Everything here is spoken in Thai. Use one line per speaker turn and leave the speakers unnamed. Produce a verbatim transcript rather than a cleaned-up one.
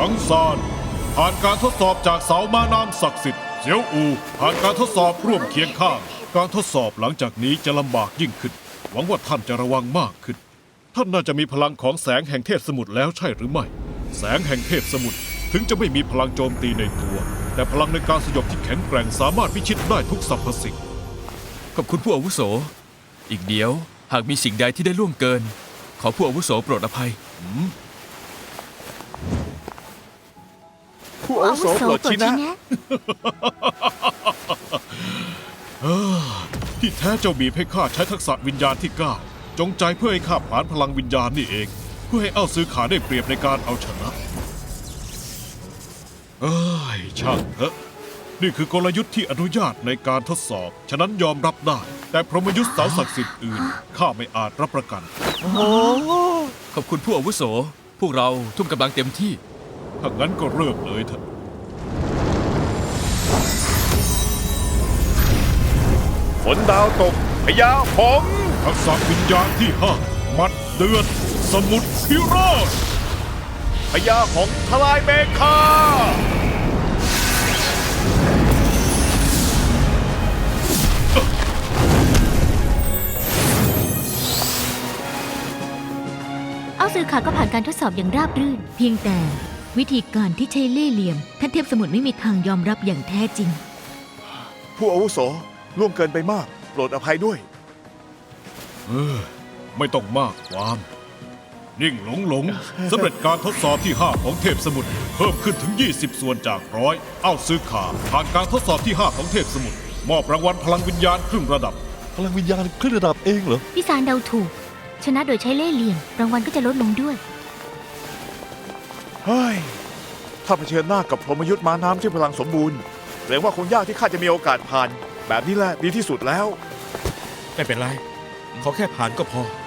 งซานผ่านการทดสอบจากเสาม้าน้ำศักดิ์สิทธิ์เสียวอูผ่านการทดสอบร่วมเคียงข้างการทดสอบหลังจากนี้จะลำบากยิ่งขึ้นหวังว่าท่านจะระวังมากขึ้นท่านน่าจะมีพลังของแสงแห่งเทพสมุทรแล้วใช่หรือไม่แสงแห่งเทพสมุทรถึงจะไม่มีพลังโจมตีในตัวแต่พลังในการสยบที่แข็งแกร่งสามารถพิชิตได้ทุกสรรพสิ่ง
ขอบคุณผู้อาวุโสอีกเดียวหากมีสิ่งใดที่ได้ล่วงเกินขอผู้อาวุโสโปรดอภัย
ผู้อาวุโสโปรดชี้แนะ
ที่แท้เจ้าบีบให้ข้าใช้ทักษะวิญญาณที่เก้าจงใจเพื่อให้ข้าผลาญพลังวิญญาณนี่เองเพื่อให้เอ้าซื้อขาได้เปรียบในการเอาชนะเอ้ยช่างเถอะนี่คือกลยุทธ์ที่อนุญาตในการทดสอบฉะนั้นยอมรับได้แต่พรหมยุทธ์เสาศักดิ์สิทธิ์อื่นข้าไม่อาจรับประกัน
ขอบคุณผู้อาวุโสพวกเราทุ่มกำลังเต็มที่
ถ้างั้นก็เริ่มเลยเถอะ
ฝนดาวตกพญาหงส์
ทักษะวิญญาณที่ห้ามัดเดือดสมุทรพิโรธ
พญาหงส์ทลายเมฆา
เอาซื้อขาก็ผ่านการทดสอบอย่างราบรื่นเพียงแต่วิธีการที่ใช้เล่ห์เหลี่ยมท่านเทพสมุทรไม่มีทางยอมรับอย่างแท้จริง
ผู้อาวุโสล่วงเกินไปมากโปรดอภัยด้วย
เออไม่ต้องมากความนิ่งหลงหลงสำเร็จการทดสอบที่ห้าของเทพสมุทรเพิ่มขึ้นถึงยี่สิบส่วนจากร้อยเอ้าซื้อขาผ่านการทดสอบที่ห้าของเทพสมุทรมอบรางวัลพลังวิญญาณครึ่งระดับ
พลังวิญญาณครึ่งระดับเองเหรอ
พี่ซานเดาถูกชนะโดยใช้เล่ห์เหลี่ยมรางวัลก็จะลดลงด้วย
เฮ้ยถ้าเผชิญหน้ากับพรหมยุทธ์ม้าน้ำที่พลังสมบูรณ์เกรงว่าคงยากที่ข้าจะมีโอกาสผ่านแบบนี้แหละดีที่สุดแล้ว
ไม่เป็นไรขอแค่ผ่านก็พอ